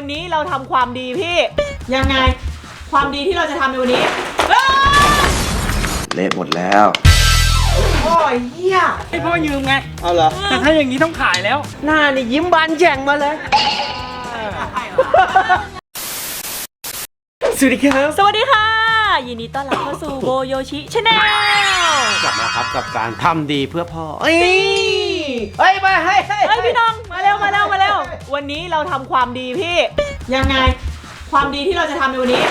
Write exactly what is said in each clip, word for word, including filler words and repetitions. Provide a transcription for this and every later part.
วันนี้เราทำความดีพี่ยังไงความดีที่เราจะทำในวันนี้เละหมดแล้วโอ้ยเหี้ยให้พ่อยืมไงเอาเหรอแต่ถ้าอย่างนี้ต้องขายแล้วหน้านี่ยิ้มบานแฉ่งมาเลยสวัสดีครับสวัสดีค่ะยินดีต้อนรับเข้าสู่โบโยชิชาแนลกลับมาครับกับการทำดีเพื่อพ่อเฮ้ยเฮ้ยมาให้เฮ้ยพี่น้องมาเร็วมาเร็วมาเร็ววันนี้เราทำความดีพี่ยังไงความดีที่เราจะทำในวันนี้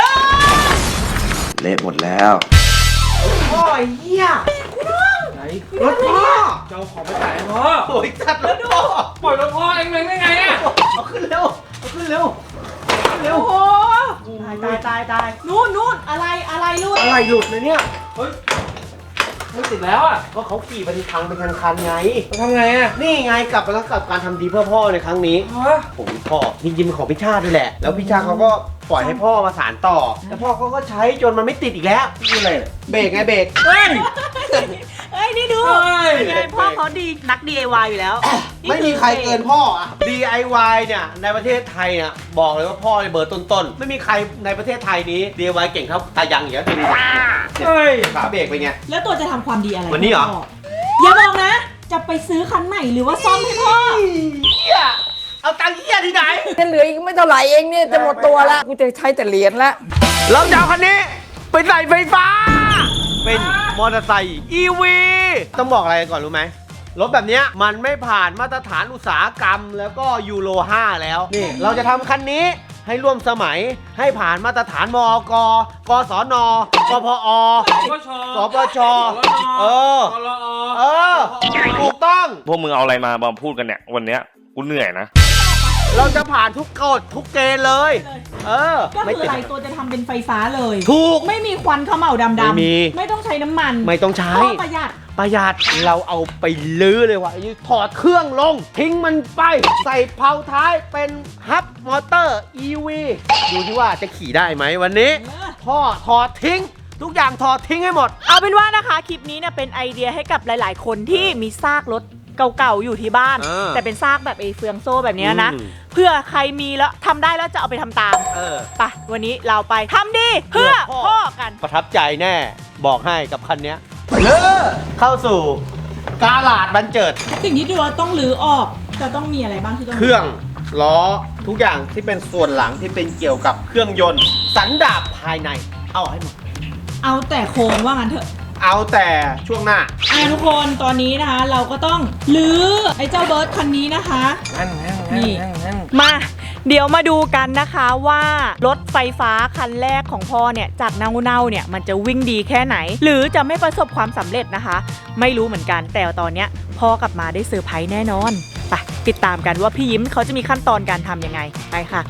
เละหมดแล้วโอ้ยเหี้ยพี่น้องไหนรถพ่อเจ้าของไปขายพ่อโอ้ยจัดแล้วดูปล่อยรถพ่อเองเลยได้ไงอ่ะเอาขึ้นเร็วเอาขึ้นเร็วเร็วโอ้ตายตายตายตายนู่นนู่นอะไรอะไรลูกอะไรหลุดเลยเนี่ยเฮ้ยไม่ติดแล้วอ่ะก็เขาขี่ไปที่ทางเป็นคันๆไงทำไงอ่ะนี่ไงกลับมาแล้วกับการทำดีเพื่อพ่อในครั้งนี้ผมพ่อจริงๆเป็นของพี่ชาตินี่แหละแล้วพี่ชาติเขาก็ปล่อยให้พ่อมาสานต่อแล้วพ่อเขาก็ใช้จนมันไม่ติดอีกแล้วนี่อะไรเบรกไงเบรกเฮ้ยเฮ้ยนี่ดูไงพ่อเขาดีนัก ดี ไอ วาย อยู่แล้วไม่มีใครเกินพ่ออะ ดี ไอ วาย เนี่ยในประเทศไทยเนี่ยบอกเลยว่าพ่อในเบอร์ต้นๆไม่มีใครในประเทศไทยนี้ ดี ไอ วาย เก่งเท่าตายังอย่างเงี้ยดูดิเฮ้ยขาเบรกไปไงแล้วตัวจะทำความดีอะไรวันนี้เหรออย่าบอกนะจะไปซื้อคันใหม่หรือว่าซ่อมให้พ่อเฮียเอาตังค์เฮียที่ไหนเหลืออีกไม่เท่าไหร่เองเนี่ยจะหมดตัวแล้วกูจะใช้แต่เหรียญแล้วเราจะเอาคันนี้ไปใส่ไฟฟ้าเป็นมอเตอร์ไซค์ อี วี ต้องบอกอะไรก่อนรู้ไหมรถแบบนี้มันไม่ผ่านมาตรฐานอุตสาหกรรมแล้วก็ยูโรห้าแล้วนี่เราจะทำคันนี้ให้ร่วมสมัยให้ผ่านมาตรฐานมอก กสน กพอ สปชเออเออถูกต้องพวกมึงเอาอะไรมามาพูดกันเนี่ยวันเนี้ยกูเหนื่อยนะเราจะผ่านทุกกฎทุกเกณฑ์เลยเออก็คืออะไรตัวจะทำเป็นไฟฟ้าเลยถูกไม่มีควันเขม่าดำๆไม่มีไม่ต้องใช้น้ำมันไม่ต้องใช้ประหยัดประหยัดเราเอาไปลื้อเลยว่ะถอดเครื่องลงทิ้งมันไปใส่เพลาท้ายเป็นฮับมอเตอร์ อี วี ดูที่ว่าจะขี่ได้ไหมวันนี้พ่อถอดทิ้งทุกอย่างถอดทิ้งให้หมดเอาเป็นว่านะคะคลิปนี้เนี่ยเป็นไอเดียให้กับหลายๆคนที่มีซากรถเก่าๆอยู่ที่บ้านแต่เป็นซากแบบไอ้เฟืองโซ่แบบนี้นะเพื่อใครมีแล้วทำได้แล้วจะเอาไปทำตามไปวันนี้เราไปทำดีเพื่อพ่อกันประทับใจแน่บอกให้กับคันนี้เลิกเข้าสู่กาลาดบันเจิดสิ่งที่เราต้องรื้อออกจะต้องมีอะไรบ้างที่ต้องเครื่องล้อทุกอย่างที่เป็นส่วนหลังที่เป็นเกี่ยวกับเครื่องยนต์สันดาปภายในเอาให้หมดเอาแต่โครงว่างั้นเถอะเอาแต่ช่วงหน้าอ่ะทุกคนตอนนี้นะคะเราก็ต้องรื้อไอ้เจ้าเบิร์ดคันนี้นะคะนี่มาเดี๋ยวมาดูกันนะคะว่ารถไฟฟ้าคันแรกของพ่อเนี่ยจากเน่าๆเนี่ยมันจะวิ่งดีแค่ไหนหรือจะไม่ประสบความสำเร็จนะคะไม่รู้เหมือนกันแต่ตอนเนี้ยพ่อกลับมาได้เซอร์ไพรส์แน่นอนไปติดตามกันว่าพี่ยิ้มเขาจะมีขั้นตอนการทำยังไงไปค่ะ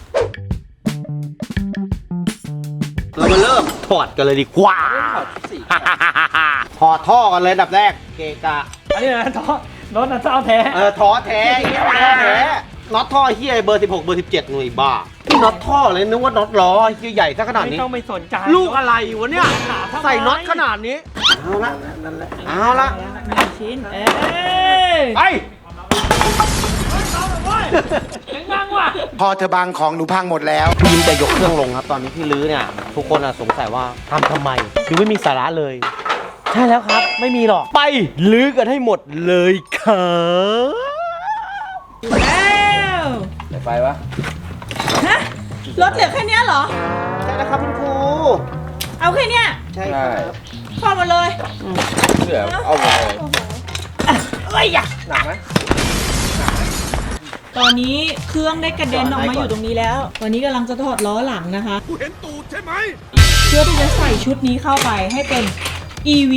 เรามาเริ่มถอดกันเลยดีกว่าถอดท่อกันเลยดับแรกเกกะอันนี้นะท่อรถน่ะท่อแท้เออท่อแท้ท่อแท้น็อตท่อเฮียเบอร์สิบหกเบอร์สิบเจ็ดหน่วยบ้านี่น็อตท่อเลยนึกว่าน็อตล้อเฮียใหญ่ซะขนาดนี้ไม่ต้องไปสนใจลูกอะไรวะเนี่ยใส่น็อตขนาดนี้เอาละนั่นแหละเอาละหนึ่งชิ้นเอ้ยไปพอเธอบางของหนูพังหมดแล้วพี่ยิ้มจะยกเครื่องลงครับตอนนี้ที่ลื้อเนี่ยทุกคนสงสัยว่าทำทำไมดูไม่มีสาระเลยใช่แล้วครับไม่มีหรอกไปลื้อกันให้หมดเลยครับแล้วไปวะฮะรถเหลือแค่นี้เหรอใช่แล้วครับคุณครูเอาแค่นี้ใช่ครับพอมาเลยเหลือเอาหมดเลยเอ้ยอย่าหนักไหมตอนนี้เครื่องได้กระเด็นออกมาอยู่ตรงนี้แล้วตอนนี้กำลังจะถอดล้อหลังนะคะกูเห็นตูดใช่ไหมเพื่อที่จะใส่ชุดนี้เข้าไปให้เป็น อี วี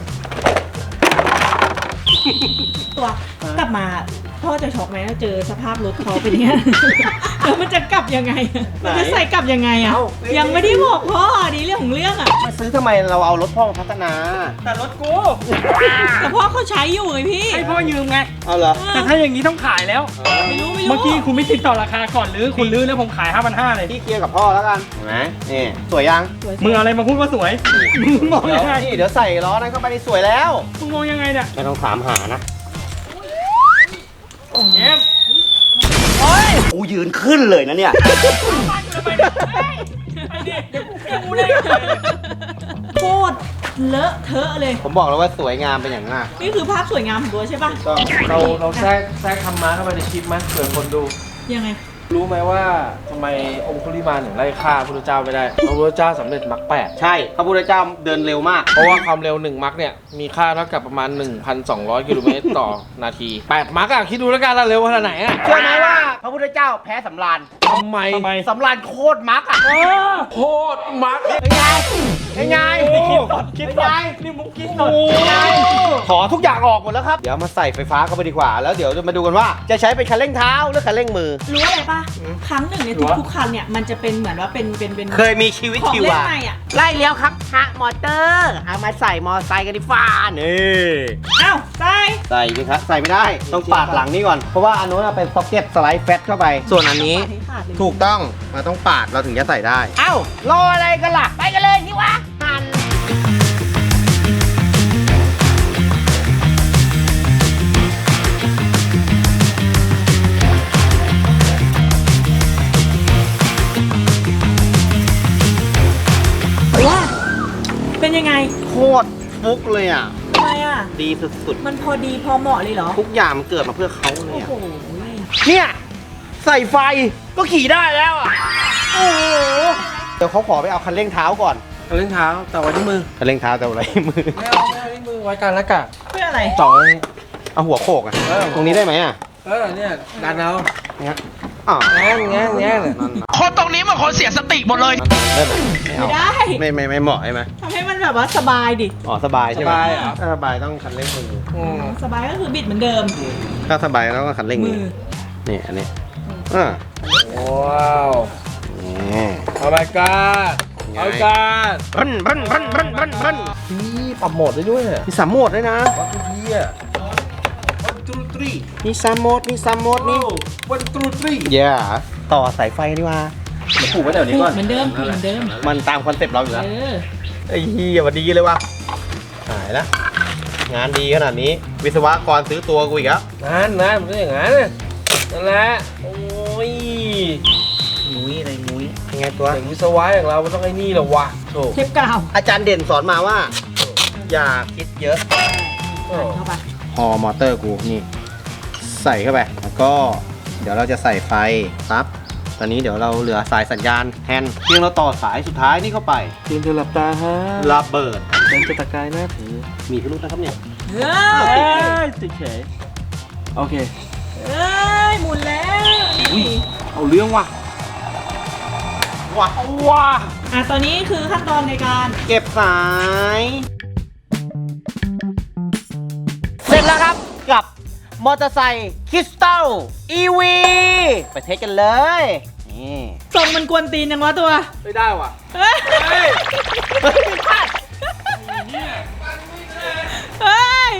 ตัวกลับมาพ่อจะช็อกไหมถ้าเจอสภาพรถเขาเป็นอย่างนี้แล้วมันจะกลับยังไงมันจะใส่กลับยังไงอ่ะยังไม่ได้บอกพ่อดีเรื่องของเรื่องอ่ะมาซื้อทำไมเราเอารถพ่อมาพัฒนาแต่รถกูแต่พ่อเขาใช้อยู่ไงพี่ให้พ่อยืมไงเอาเหรอแต่ถ้าอย่างนี้ต้องขายแล้วไม่รู้ไม่รู้เมื่อกี้คุณไม่ติดต่อราคาก่อนหรือคุณลื้อแล้วผมขายห้าพันห้าเลยพี่เคลียร์กับพ่อแล้วกันเห็นไหมนี่สวยยังมึงอะไรมาพูดว่าสวยมึงมองยังไงนี่เดี๋ยวใส่ล้อนั้นเข้าไปในสวยแล้วมึงมองยังไงเนี่ยไม่ต้องถามหานะเยี่ยมโอ้ยโอ้ยยืนขึ้นเลยนะเนี่ยโคตรเลอะเทอะเลยผมบอกแล้วว่าสวยงามเป็นอย่างมากนี่คือภาพสวยงามของตัวใช่ปะเราเราแทรกแทรกธรรมะเข้าไปในคลิปไหมเผื่อคนดูยังไงรู้ไหมว่าทำไมองคุลิมานถึงไล่ฆ่าพระพุทธเจ้าไม่ได้พระพุทธเจ้าสำเร็จมรรคแปดใช่พระพุทธเจ้าเดินเร็วมากเพราะว่าความเร็วหนึ่งมรรคเนี่ยมีค่าเท่ากับประมาณ หนึ่งพันสองร้อย กิโลเมตรต่อนาทีแปดมรรคอะคิดดูแล้วกันเราเร็วขนาดไหนอะเชื่อไหมว่าพระพุทธเจ้าแพ้สำราญทำไมสำราญโคตรมักอ่ะโคตรมรรคเป็นไงเป็นไงโอ้คิดไงนี่มุกคิดหน่อยขอทุกอย่างออกหมดแล้วครับ เดี๋ยวมาใส่ไฟฟ้าเข้าไปดีกว่า แล้วเดี๋ยวจะมาดูกันว่าจะใช้เป็นคันเร่งเท้าหรือคันเร่งมือรู้อะไรปะครั้งหนึ่งในทุกๆคันเนี่ยมันจะเป็นเหมือนว่าเป็นเป็นเป็นเคยมีชีวิตของชีเล่นวาใหม่อ่ะไล่เลี้ยวครับฮะมอเตอร์เอามาใส่มอไซค์กันดีฟ้านี่อ้าวใส่ใส่ดิครับใส่ไม่ได้ต้องปาดหลังนี่ก่อนเพราะว่าอันนู้นเป็นซ็อกเก็ตสไลด์แฟตเข้าไป ส่วนอันนี้ให้ขาดเลยถูกต้องมันต้องปาดเราถึงจะใส่ได้ เอ้ารออะไรกันล่ะ ไปกันเลยที่วะหันว่าเป็นยังไงโคตรฟุกเลยอ่ะทำไมอ่ะดีสุดมันพอดีพอเหมาะเลยเหรอๆ ทุกอย่างมันเกิดมาเพื่อเขาเลโอ้ยอะโหเนี่ย ใส่ไฟก็ขี่ได้แล้วอ่ะ โอ้โห เดี๋ยวเขาขอไปเอาคันเร่งเท้าก่อนเล่นเท้าแต่ไว้ที่มือคันเร่งเท้าแต่อะไรมือไม่เอาไม่เอาที่มือไว้กันแล้วกันเพื่ออะไรสองเอาหัวโขกอ่ะเออตรงนี้ได้ไหมอ่ะเออเนี่ยดันเอาเนี่ยอ๋อแง่แง่แง่เลยคนตรงนี้มันคนเสียสติหมดเลยได้ไหมไม่เอาไม่ได้ไม่ไม่ไม่เหมาะใช่ไหมทำให้มันแบบว่าสบายดิอ๋อสบายใช่ไหมสบายเหรอถ้าสบายต้องคันเร่งมืออืมสบายก็คือบิดเหมือนเดิมถ้าสบายแล้วก็คันเร่งมืมืออ นี่อันนี้อ่าว้าวนี่โอ้ my god ไงโอ้ my god พันพันพันพันพันพันพี่ปรับโหมดได้ด้วยเนี่ยมีสามโหมดด้วยนะวัตถุพี่อ่ะวันตรูตรีมีสามโหมดมีสามโหมดนี่วันตรูตรีเย่ต่อสายไฟดีกว่ามาผูกไว้แถวนี้พูก่อดนเหมือนเดิมพูดเหมือนเดิมมันตามคอนเซ็ปต์เราอยู่แล้วเออไอ้เหี้ยวันดีเลยว่ะหายแล้วงานดีขนาดนี้ วิศวกรซื้อตัวกูอีกแล้วนั่นนะมันก็อย่างนั้นน่ะนั่นแหละโอ้ยมุ้ยอะไรมุ้ยยังไงตัวเด็กวิศวะอย่างเรามันต้องไอ้นี่แหละวะโถเทปกาวอาจารย์เด่นสอนมาว่า อย่าคิดเยอะโอ้เข้าไปพอมอเตอร์กูนี่ ใส่เข้าไป แล้วก็เดี๋ยวเราจะใส่ไฟปั๊บตอนนี้เดี๋ยวเราเหลือสายสัญญาณแทนเพียงเราต่อสายสุดท้ายนี่เข้าไปเตรียมจะหลับตาฮะระเบิดเป็นจะตะกายหน้าถือมีพิรุธนะครับเนี่ยเฮ้เอ้ยยติดเฉยโอเคเอ้ยหมุนแล้วเอาเรื่องว่ะว้าว้าอ่ะตอนนี้คือขั้นตอนในการเก็บสาย เสร็จแล้วครับกับมอเตอร์ไซค์คริสตัล อี วี ไปเทสกันเลย นี่ทรงมันกวนตีนยังวะตัวไม่ได้ว่ะเฮ้ยเฮ้ยเฮ้ย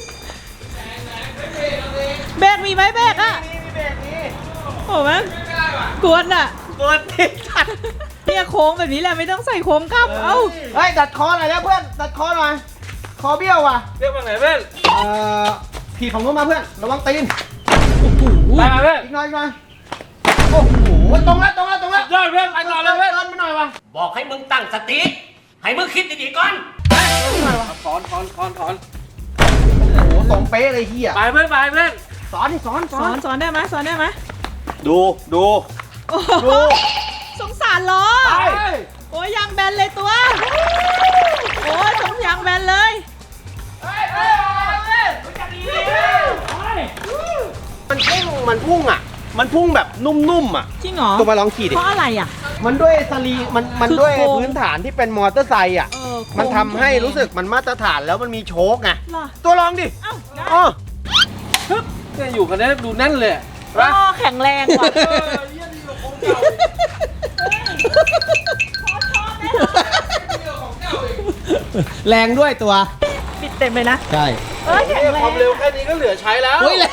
เบรกมีไหมเบรกอ่ะโอ้แม่งกวนอ่ะกดติดตัดเนี่ยโค้งแบบนี้แหละไม่ต้องใส่โค้งกลับ เอ้าเฮ้ย ตัดคอหน่อยนะเพื่อน ตัดคอหน่อย คอเบี้ยวว่ะเรียกว่าไงเพื่อนเอ่อผีของนู้นมาเพื่อน ระวังตีนไปมาเพื่อนอีกหน่อยอีกหน่อย โอ้โห ตรงแล้วตรงแล้วตรงแล้วยอดเพื่อนไปต่อเลยเพื่อนเดินไปหน่อยว่ะบอกให้มึงตั้งสติ ให้มึงคิดดีๆก่อนถอนถอนถอนถอนโอ้โหตรงเป๊ะเลยเฮียไปเพื่อนไปเพื่อนสอนดิสอนสสออน นสอนได้ไหมสอนได้ไหมดูดูโอ้โหดูสงสารล้อไปโอ้ยยางแบนเลยตัว โอ้ยสงยางแบนเลยมันพุ่ง มันพุ่งอ่ะ มันพุ่งแบบนุ่มๆอ่ะจริงเหรอตัวมาลองขี่ดิเพราะอะไรอ่ะมันด้วยสลีมันมันคือด้วยโครงพื้นฐานที่เป็นมอเตอร์ไซค์อ่ะเออโค้งมันทำให้รู้สึกมันมาตรฐานแล้วมันมีโชคไงเหรอตัวลองดิเอ้าได้อ๋อเนี่ยอยู่กันได้ดูแน่นเลยอ๋อแข็งแรงว่ะแรงด้วยตัวปิดเต็มเลยนะใช่เอ้ยแข็งแรความงเร็วแค่นี้ก็เหลือใช้แล้วเฮ้ยแรง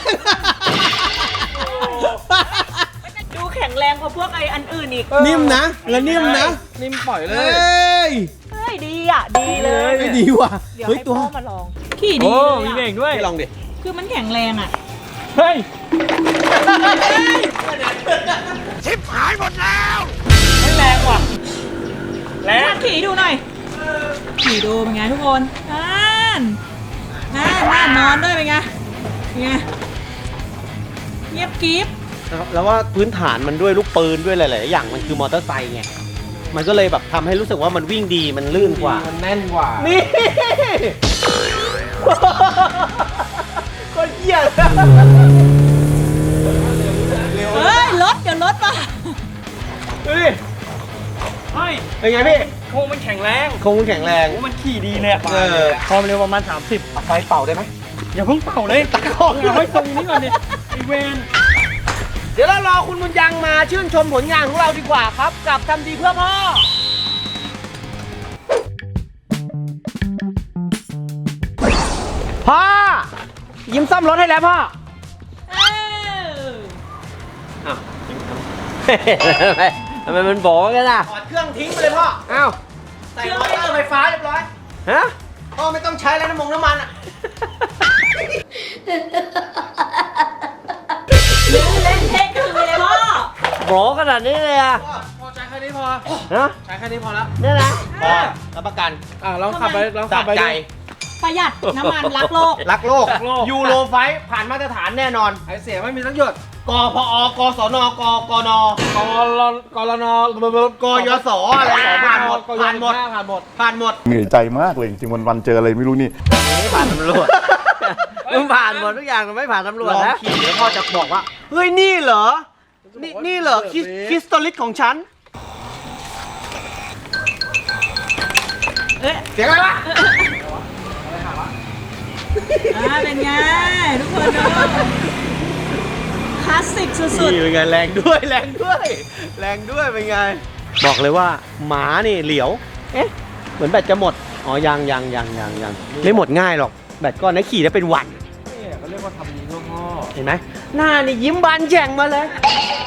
ดูแข็งแรงกว่าพวกไออันอื่นอีกนิ่มนะแล้วนิ่มนะนิ่มปล่อยเลเฮ้ยยเฮ้ยดีอ่ะ ดีเลยไม่ดีว่ะเดี๋ยวเฮ้ยให้ตัวพ่อมาลอง ขี่ดีโอ้เลยมีอะเบ่งด้วยพี่ลองดิคือมันแข็งแรงอ่ะเฮ้ยขี่ดูหน่อยขี่ดูเป็นไงทุกคนนั่นนั่นนั่นนอนด้วยเป็นไงเป็นไงเงียบกริ๊บแล้วว่าพื้นฐานมันด้วยลูกปืนด้วยหลายๆอย่างมันคือมอเตอร์ไซค์ไงมันก็เลยแบบทำให้รู้สึกว่ามันวิ่งดีมันลื่นกว่ามันแน่นกว่านี่ คนเหี้ยเฮ้ยรถเดี๋ยวรถมาดูดิเป็นไงพี่โค้งมันแข็งแรงคงแข็งแรงมันขี่ดีเลยเออความเร็วประมาณ สามสิบ ไฟเป่าได้ไหมอย่าเพิ่งเป่าเลยตะกอกอย่าให้ตรงนี้ก่อนดิอีเวนเดี๋ยวเรารอคุณบุญยังมาชื่นชมผลงานของเราดีกว่าครับ กับทำดีเพื่อพ่อ พ่อ ยิ้มซ่อมรถให้แล้วพ่อเอออ้าวทำไมมันบอกกันล่ะถอดเครื่องทิ้งไปเลยพ่อ อ้าว ใส่มอเตอร์ไฟฟ้าเรียบร้อย ฮะ พ่อไม่ต้องใช้แล้วน้ำมันน้ำมันอ่ะเล่นเทคคือเลยพ่อโบขนาดนี้เลยอ่ะพอใช้แค่นี้พอฮะใช้แค่นี้พอแล้วเนี่ยนะพอรับประกันอ่ะลองขับไปลองสะขับไปใจดูประหยัดน้ำมันรักโลกรักโลกรักโลกยูโรไฟท์ผ่านมาตรฐานแน่นอนไอเสียไม่มีสักหยดกพอกศนกกนกรกรนกยศอะไรผ่านหมด ผ่านหมดผ่านหมดผ่านหมดเหนื่อยใจมากเลยจริงๆวันๆเจออะไรไม่รู้นี่ไม่ผ่านตำรวจมึงผ่านหมดทุกอย่างไม่ผ่านตำรวจนะลองขี่แล้วพ่อจะบอกว่า เฮ้ย นี่เหรอ นี่นี่เหรอคริสคริสโตลิสของฉันเอ๊ะเสียงอะไรวะอ่าเป็นไงทุกคนดูคลาสสิกสุดนี่เป็นไงแรงด้วยแรงด้วย แรงด้วยเป็นไง บอกเลยว่าหมานี่เหลียว เอ๊ะ เหมือนแบตจะหมด อ๋อ ยังยังยังยังยังไม่หมดง่ายหรอก แบตก้อนนี้ขี่ได้เป็นวันนี่เขาเรียกว่าทำดีเพื่อพ่อเห็นไหมหน้านี่ยิ้มบานแฉ่งมาเลย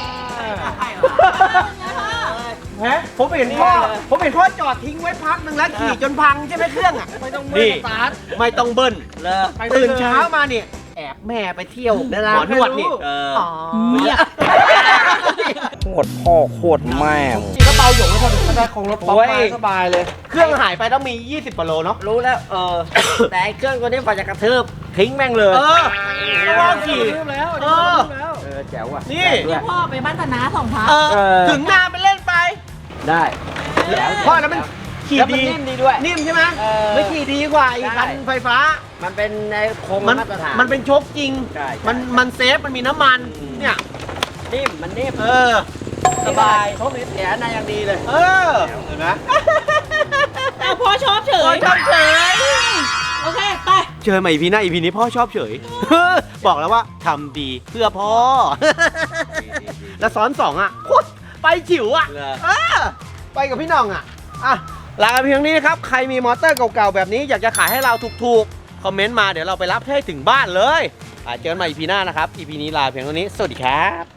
ฮะผมเห็นพ่อ ผมเห็นพ่อจอดทิ้งไว้พักหนึ่งแล้วขี่จนพังใช่ไหมเครื่องอ่ะไม่ต้องเบิ้ลสตาร์ทไม่ต้องเบิ้ลเลยไปได้เลยตื่นเช้ามาเนี่ยแอบแม่ไปเที่ยวหมอนวดนี่เออๆเนี่ยโคตรพ่อโคตรแม่ขี่ก็เบาหยกไม่พอถึงก็ได้คงรถป๊อปมาสบายเลยเครื่องหายไปต้องมี ยี่สิบกว่าโลเนาะรู้แล้ว เออ แต่ไอ้เครื่องตัวนี้ฝ่าจะกระทืบทิ้งแม่งเลยเออพ่อขี่แล้วเออเออแจ๋วอ่ะนี่เดี๋ยวพ่อไปบ้านธนาสองพักเออถึงนาไปเล่นไปได้พ่อแล้วมันขี่แล้วมันดีนิ่มดีด้วยนิ่มใช่ไหมเออไม่ขี่ดีกว่าอีกใช่คันไฟฟ้ามันเป็นในโครงมันมาตรฐานมันเป็นโชคจริงใช่ใช่มันมันเซฟมันมีน้ำมัน เนี่ยนิ่ม มันนิ่มเออสบายโชคนี้เสียในอย่างดีเลยเออ เห็นไหมอ้าวพ่อชอบเฉพ่อย ชอบเฉยโอเค ไปเจอใหม่อีพีหน้าอีพีนี้พ่อชอบเฉย บอกแล้วว่าทำดีเพื่อพ่อ แล้วซ้อนสองอ่ะโคตรไปจิ๋วอ่ะเออไปกับพี่น้องอ่ะ อ่ะ ลากันเพียงนี้นะครับ ใครมีมอเตอร์เก่าๆ แบบนี้อยากจะขายให้เราถูกๆ คอมเมนต์มาเดี๋ยวเราไปรับให้ถึงบ้านเลยอ่ะเจอกันใหม่อีพีหน้านะครับ อีพีนี้ลาเพียงเท่านี้ สวัสดีครับ